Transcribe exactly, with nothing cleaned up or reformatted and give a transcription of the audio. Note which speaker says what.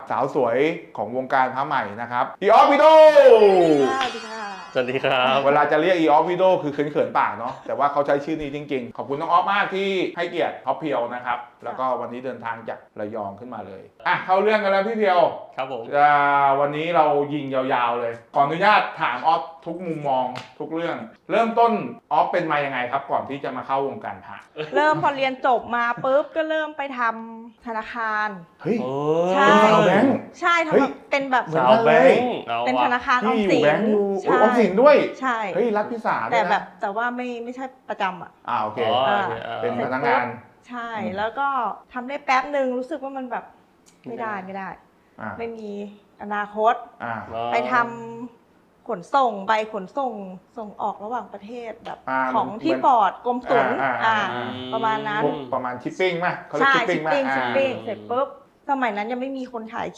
Speaker 1: สาวสวยของวงการพระใหม่นะครับอีออฟวิโด
Speaker 2: สวัสดีค่ะ
Speaker 3: สวัสดีครับ
Speaker 1: เวลาจะเรียกอีออฟวิโดคือเขินๆปากเนาะแต่ว่าเขาใช้ชื่อนี้จริงๆ ขอบคุณน้องออฟมากที่ให้เกียรติท็อปเพียวนะครับแล้วก็วันนี้เดินทางจากระยองขึ้นมาเลยอ่ะเข้าเรื่องกันแล้วพี่เพียว
Speaker 3: ครับผม
Speaker 1: อ่าวันนี้เรายิงยาวๆเลยขออนุญาตถามออฟทุกมุมมองทุกเรื่อง เริ่มต้นออฟเป็นมายังไงครับก่อนที่จะมาเข้าวงการพระ
Speaker 2: เริ่มพอเรียนจบมาปุ๊บก็เริ่มไปทำธนาคาร
Speaker 1: เฮ้ย
Speaker 3: โอ้
Speaker 2: ใช่
Speaker 1: เป็นสาวแบงค์
Speaker 2: ใช่ทำ
Speaker 1: เฮ้ย
Speaker 2: แบบเป็นแบบ
Speaker 1: เหมือน
Speaker 3: สาว
Speaker 1: กัน
Speaker 3: แบ
Speaker 1: เลย
Speaker 3: งค์เอา
Speaker 2: เป็นธนา
Speaker 3: วะ
Speaker 2: คารออม
Speaker 1: ที่อ
Speaker 2: สิ
Speaker 1: ยู่
Speaker 2: น
Speaker 1: แบงค์อยู่
Speaker 2: ใช่
Speaker 1: ออมสินด้วย
Speaker 2: ใช่
Speaker 1: เฮ้ยรัฐพิสา
Speaker 2: แต่
Speaker 1: ด้วยนะ
Speaker 2: แบบแต่ว่าไม่ไม่ใช่ประจำอ่ะ
Speaker 1: อ่าโอเค
Speaker 3: อ๋อ
Speaker 2: อ่า
Speaker 3: โอเคอ่า
Speaker 1: เป็นพนักงาน
Speaker 2: ใช่
Speaker 1: อืม
Speaker 2: แล้วก็ทำได้แป๊บหนึ่งรู้สึกว่ามันแบบไม่ได้ไม่ได้
Speaker 1: อ่า
Speaker 2: ไม่มีอนาคต
Speaker 1: อ่า
Speaker 2: ไปทำขนส่งใบขนส่งส่งออกระหว่างประเทศแบบ
Speaker 1: อ่า
Speaker 2: ของ
Speaker 1: เหมือน
Speaker 2: ที่บอร์ดกรมศุล
Speaker 1: อ่าอ่า
Speaker 2: อ่า
Speaker 1: อ่า
Speaker 2: ประมาณนั้น
Speaker 1: พวกประมาณชิปปิ้งไหมเขาเรียก
Speaker 2: ใช่
Speaker 1: ชิปปิ้
Speaker 2: ชิ
Speaker 1: ง
Speaker 2: ป
Speaker 1: ไหม
Speaker 2: ปิ้ง
Speaker 1: อ่า
Speaker 2: ชิปปิ้งเสร็จปุ๊บสมัยนั้นยังไม่มีคนถ่าย